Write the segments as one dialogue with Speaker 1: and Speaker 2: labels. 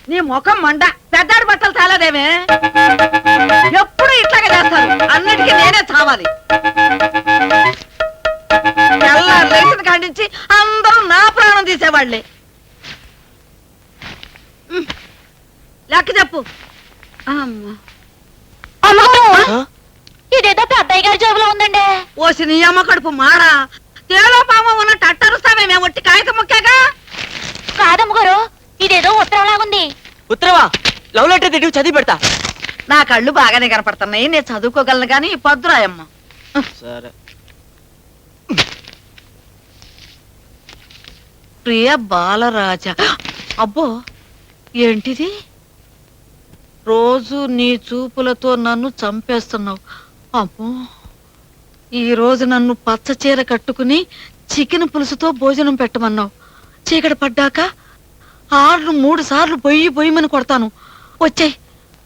Speaker 1: నీ ముఖం మండ పెద్దాడి బట్టలు చాలాదేమే ఎప్పుడు ఇట్లాగే చేస్తారు అన్నిటికీ నేనే చావాలి తెల్లారు లేచిన ఖండించి అందరూ నా ప్రాణం తీసేవాళ్లే లెక్క చెప్పు
Speaker 2: ఇదేదో పెద్దయ్య గారి జేబులో ఉందండి.
Speaker 1: ఓసి నీ అమ్మ కడుపు మారా తేలో పామ ఉన్న టట్టరుస్తామే మేము ఒట్టి కాగితం ముక్కాగా
Speaker 2: కాదమ్మ గారు ఇదేదో ఉత్తరం లాగుంది.
Speaker 3: ఉత్తరవా? లవ్ లెటర్ తిరిగి చదివి పెడతా.
Speaker 1: నా కళ్ళు బాగానే కనపడుతున్నాయి నేను చదువుకోగలను గాని పద్దురాయమ్మ.
Speaker 3: సరే.
Speaker 1: ప్రియ బాలరాజ. అబ్బో ఏంటిది? రోజు నీ చూపులతో నన్ను చంపేస్తున్నావు. అమ్మో ఈ రోజు నన్ను పచ్చ చీర కట్టుకుని చికెన్ పులుసుతో భోజనం పెట్టమన్నావు. చీకటి పడ్డాక 3 సార్లు పొయ్యమని కొడతాను. వచ్చాయి.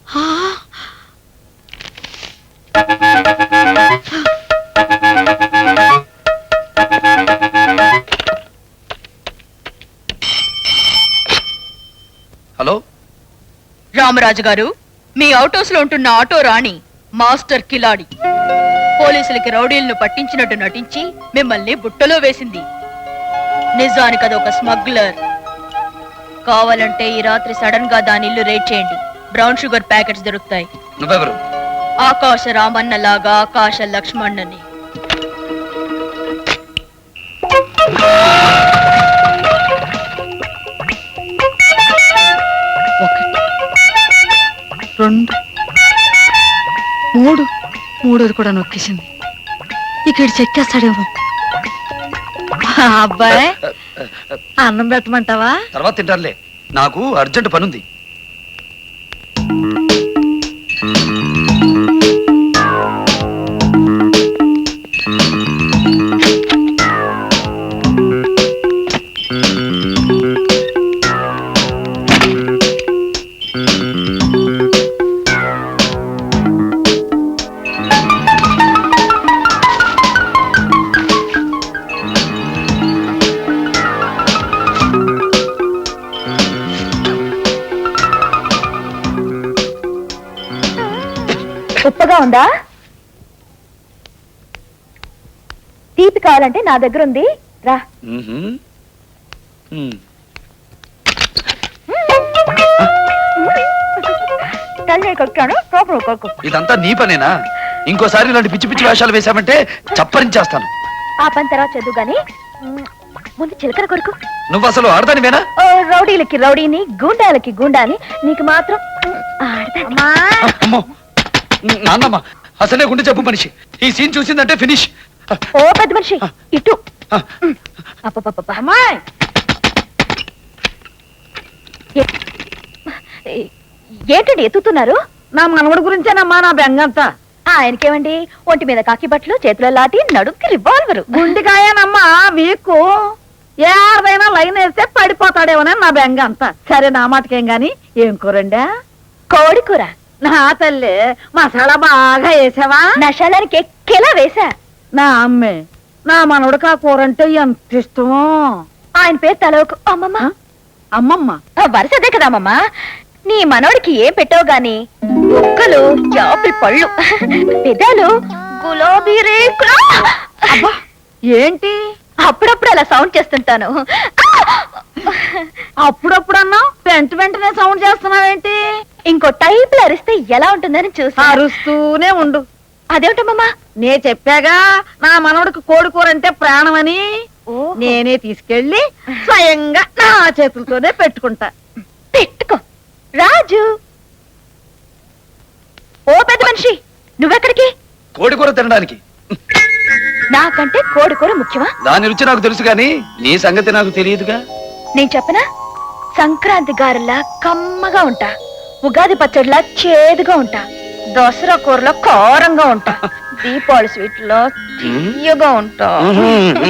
Speaker 4: హలో
Speaker 5: రామరాజు గారు, మీ అవుట్ హౌస్ లో ఉంటున్న ఆటో రాణి మాస్టర్ కిలాడి పోలీసులకి రౌడీలను పట్టించినట్టు నటించి మిమ్మల్ని బుట్టలో వేసింది. నిజానికి అదొక స్మగ్లర్. కావాలంటే ఈ రాత్రి సడన్ గా దాని ఇల్లు రేట్ చేయండి. బ్రౌన్ షుగర్ ప్యాకెట్స్ దొరుకుతాయి.
Speaker 4: నువ్వెవరు?
Speaker 5: ఆకాశ రామన్న లాగా ఆకాశ లక్ష్మణ్ణని.
Speaker 1: రెండు మూడు మూడోది కూడా నొక్కేసింది. ఇక్కడ చెక్కేస్తాడేమో. అబ్బాయి అన్నం పెట్టమంటావా?
Speaker 4: తర్వాత తింటారులే, నాకు అర్జెంట్ పనుంది.
Speaker 2: ఉప్పగా ఉందా? తీపి కావాలంటే నా దగ్గర ఉంది, రా.
Speaker 4: ఇదంతా నీ పనేనా? ఇంకోసారి ఇలాంటి పిచ్చి పిచ్చి వేషాలు వేశామంటే చప్పరించేస్తాను.
Speaker 2: ఆ పని తర్వాత చదువు గాని ముందు చిలకర కొడుకు.
Speaker 4: నువ్వు అసలు ఆడదానివేనా?
Speaker 2: రౌడీలకి రౌడీని, గూండాలకి గూండాని, నీకు మాత్రం
Speaker 4: అమ్మో నాన్నమ్మ, అసలే గుండె చెప్పు మనిషి. ఈ సీన్ చూసిందంటే ఫినిష్.
Speaker 2: ఓ పెద్ద మనిషి ఇటు.
Speaker 1: అమ్మాయి
Speaker 2: ఏంటండి ఎత్తుతున్నారు?
Speaker 1: నా మనవడి గురించేనమ్మా నా బెంగంతా.
Speaker 2: ఆయనకేమండి, ఒంటి మీద కాకి బట్టలు, చేతిలో లాటి, నడుంకి రివాల్వరు.
Speaker 1: గుండెకాయనమ్మా మీకు ఏదైనా లైన్ వేస్తే పడిపోతాడేమోనని నా బెంగ అంతా. సరే నా మాటకేం గాని ఏం కూరండా?
Speaker 2: కోడి కూర.
Speaker 1: నా తల్లి మసాలా బాగా వేసావా?
Speaker 2: నశాలానికి ఎక్కేలా వేసా.
Speaker 1: నా అమ్మే నా మనవడికి ఆ కూర అంటే ఎంత ఇష్టమో.
Speaker 2: ఆయన పేరు తలవకు. అమ్మమ్మ.
Speaker 1: అమ్మమ్మ
Speaker 2: వరుసదే కదా అమ్మమ్మ. నీ మనోడికి ఏం పెట్టావు గాని ముక్కలు యాపిల్ పళ్ళు, పెదాలు గులాబీ రేకులు.
Speaker 1: అబ్బా ఏంటి
Speaker 2: అప్పుడప్పుడు అలా సౌండ్ చేస్తుంటాను.
Speaker 1: అప్పుడప్పుడు అన్నావు, వెంటనే సౌండ్ చేస్తున్నావేంటి?
Speaker 2: ఇంకో టైప్ లో అరిస్తే ఎలా ఉంటుందని చూసి
Speaker 1: అరుస్తూనే ఉండు.
Speaker 2: అదేమిటమ్మా?
Speaker 1: నే చెప్పాగా నా మనవడికి కోడి కూర అంటే ప్రాణమని. నేనే తీసుకెళ్లి స్వయంగా నా చేతులతోనే పెట్టుకుంటా.
Speaker 2: పెట్టుకో రాజు. ఓ పెద్ద మనిషి, నువ్వెక్కడికి?
Speaker 4: కోడి కూర తినడానికి.
Speaker 2: నాకంటే కోడి కూర ముఖ్యమా?
Speaker 4: దాని రుచి నాకు తెలుసు కానీ నీ సంగతి నాకు తెలియదుగా.
Speaker 2: నేను చెప్పనా? సంక్రాంతి గారెలా కమ్మగా ఉంటా, ఉగాది పచ్చడిలా చేదుగా ఉంటా, దసరా కూరలో కారంగా ఉంటా, దీపావళి స్వీట్ లో తీయగా ఉంటా.